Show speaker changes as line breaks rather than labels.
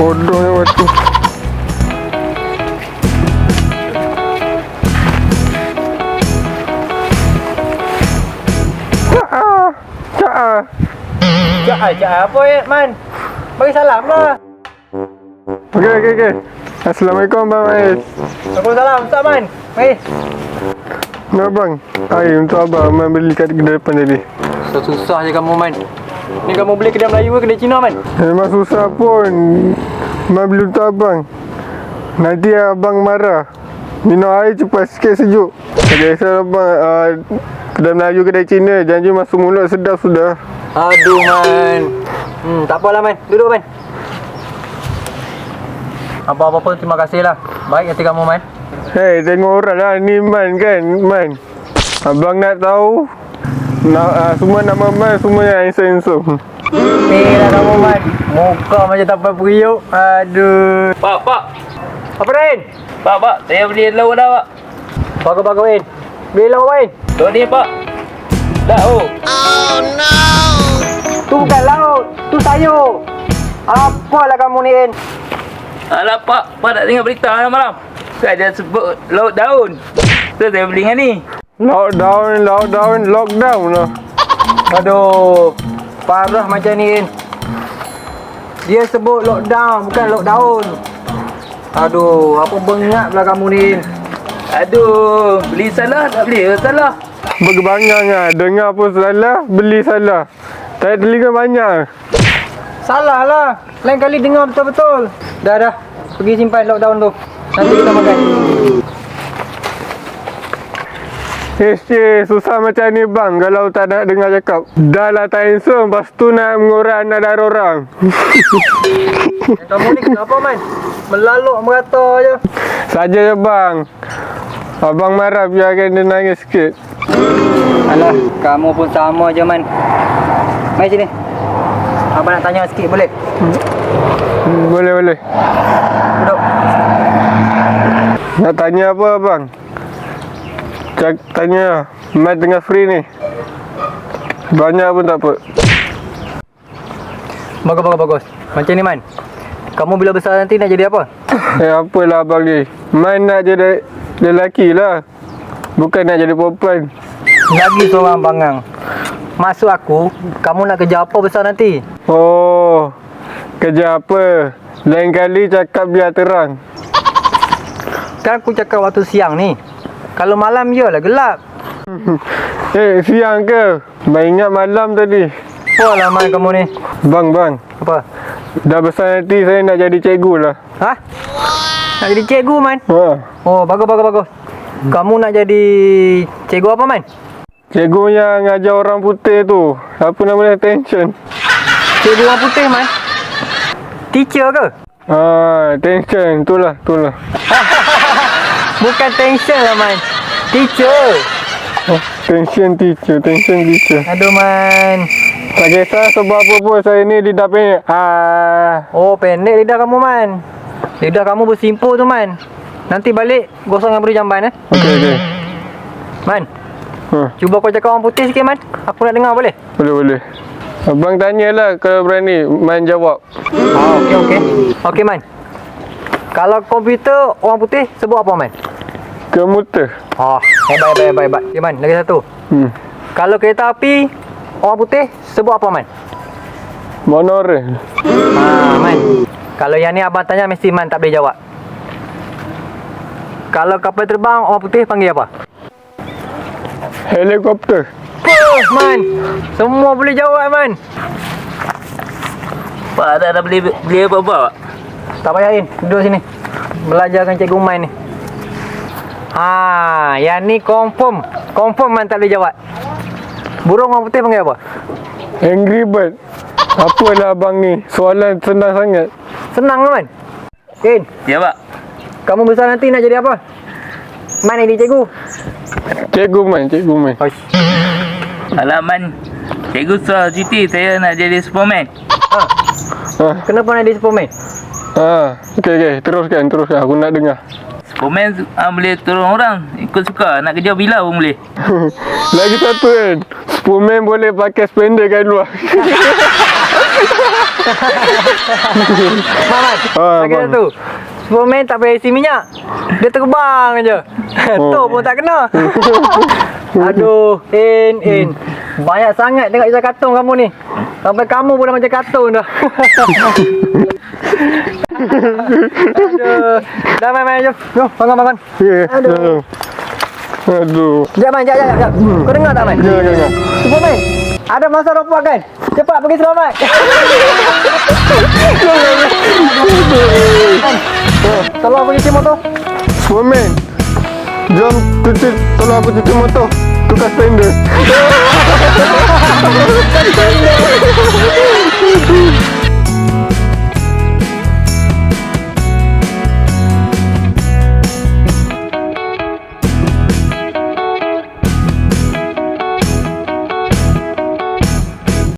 Bodohnya waktu.
Cak apa ya, Man? Bagi salam lah.
Okey. Assalamualaikum Bang Ais.
Waalaikumsalam, Ustaz Man. Mari.
Nah bang, air untuk abang Man beli kat kedai depan tadi.
Susah je kamu, Man. Ni kamu beli kedai Melayu ke kedai Cina, Man?
Memang susah pun. Man beli untuk abang. Nanti abang marah. Minum air cepat sikit sejuk. Tak kisah abang, kedai Melayu kedai Cina, janji masuk mulut sedap sudah.
Aduh, Man. Tak apalah, Man. Duduk, Man. Apa-apa pun terima kasih lah. Baik hati kamu, Man.
Hei, tengok orang lah ni Man kan, Man. Abang nak tahu semua nama Man, semua yang handsome.
Lah kamu, Man. Muka macam tak apa periuk. Aduh.
Pak.
Apa, Rin?
Pak, saya beli lauk dah, Pak.
Bagus, Rin. Beli lauk, Rin.
Tu ni, Pak. Lauk.
Tu bukan lauk. Tu sayur. Apalah kamu ni, Rin?
Alah, Pak tak tengok berita malam. Kan dia sebut lauk daun. Tu saya beli dengan ni.
Lockdown lah.
Aduh. Parah macam ni, Rin. Dia sebut lockdown, bukan lockdown. Aduh, apa bengap lah kamu ni, Rin.
Aduh, beli salah tak beli salah.
Berkebangang lah. Dengar pun salah, beli salah. Tak telinga banyak.
Salah lah. Lain kali dengar betul-betul. Dah. Pergi simpan lockdown tu. Nanti kita makan.
Susah macam ni bang kalau tak nak dengar cakap. Dah lah tak handsome, lepas tu nak mengurai anak darah orang.
Kamu ni kenapa, Man? Melaluk merata je.
Saja je bang. Abang marah biarkan dia nangis sikit.
Alah, kamu pun sama je, Man. Mari sini. Abang nak tanya sikit, boleh?
Boleh.
Duduk.
Nak tanya apa bang? Tanya Man tengah free ni. Banyak pun tak apa.
Bagus. Macam ni, Man. Kamu bila besar nanti nak jadi apa?
Apalah abang ni. Man nak jadi lelaki lah. Bukan nak jadi perempuan.
Lagi seorang bangang. Maksud aku, kamu nak kerja apa besar nanti?
Oh, kerja apa? Lain kali cakap biar terang.
Kan aku cakap waktu siang ni. Kalau malam je lah gelap.
Siang ke? Main ingat malam tadi.
Apalah, Man, kamu ni.
Bang.
Apa?
Dah besar nanti saya nak jadi cikgu lah.
Ha? Nak jadi cikgu, Man?
Ha.
Oh, bagus. Kamu nak jadi cikgu apa, Man?
Cikgu yang ngajar orang putih tu. Apa nama dia? Attention.
Cikgu orang putih, Man? Teacher ke?
Attention. Itulah.
Bukan tension lah, Man. Teacher.
Tension teacher.
Aduh, Man.
Tak kisah sebab apa pun saya ni lidah pendek.
Oh, pendek lidah kamu, Man. Lidah kamu bersimpul tu, Man. Nanti balik gosong dengan beri jamban,
Okey.
Man, cuba kau cakap orang putih sikit, Man. Aku nak dengar, boleh?
Boleh. Abang tanyalah kalau berani. Man jawab.
Okey. Okey, Man. Kalau komputer orang putih sebut apa, Man?
Komputer.
Hebat. Okay, Man, lagi satu. Kalau kereta api orang putih sebut apa, Man?
Monorail.
Man. Kalau yang ni abang tanya mesti Man tak boleh jawab. Kalau kapal terbang orang putih panggil apa?
Helikopter.
Man. Semua boleh jawab, Man.
Pak dah beli apa-apa, Pak?
Tak payah, duduk sini. Belajar dengan Cikgu Man ni. Yang ni confirm Man tak boleh jawab. Burung orang putih panggil apa?
Angry Bird. Apalah abang ni? Soalan senang sangat.
Senang, Man. In,
Ya, Pak.
kamu besar nanti nak jadi apa? Man jadi cikgu.
Cikgu Man.
Alaman. Cikgu soal cuti saya nak jadi Superman.
Kenapa nak jadi Superman?
Okey. Teruskan. Aku nak dengar.
Superman boleh tolong orang. Ikut suka. Nak kerja bila pun boleh.
Lagi satu kan. Superman boleh pakai spender kat luar.
Mamat, lagi
abang.
tu. Superman tak payah isi minyak. Dia terbang je. Tu pun tak kena. Aduh, In. Banyak sangat tengok kisah kartun kamu ni. Sampai kamu pun dah macam kartun dah. Aduh. Dah main-main jom. Jom, bangun.
Ya.
Aduh.
Aduh.
Sekejap main, sekejap. Kau dengar tak main?
Jangan.
Superman, ada masa robot kan? Cepat pergi selamat. Tolong pergi cuci motor.
Superman. Jom tolong aku cuci motor. Tukar spender.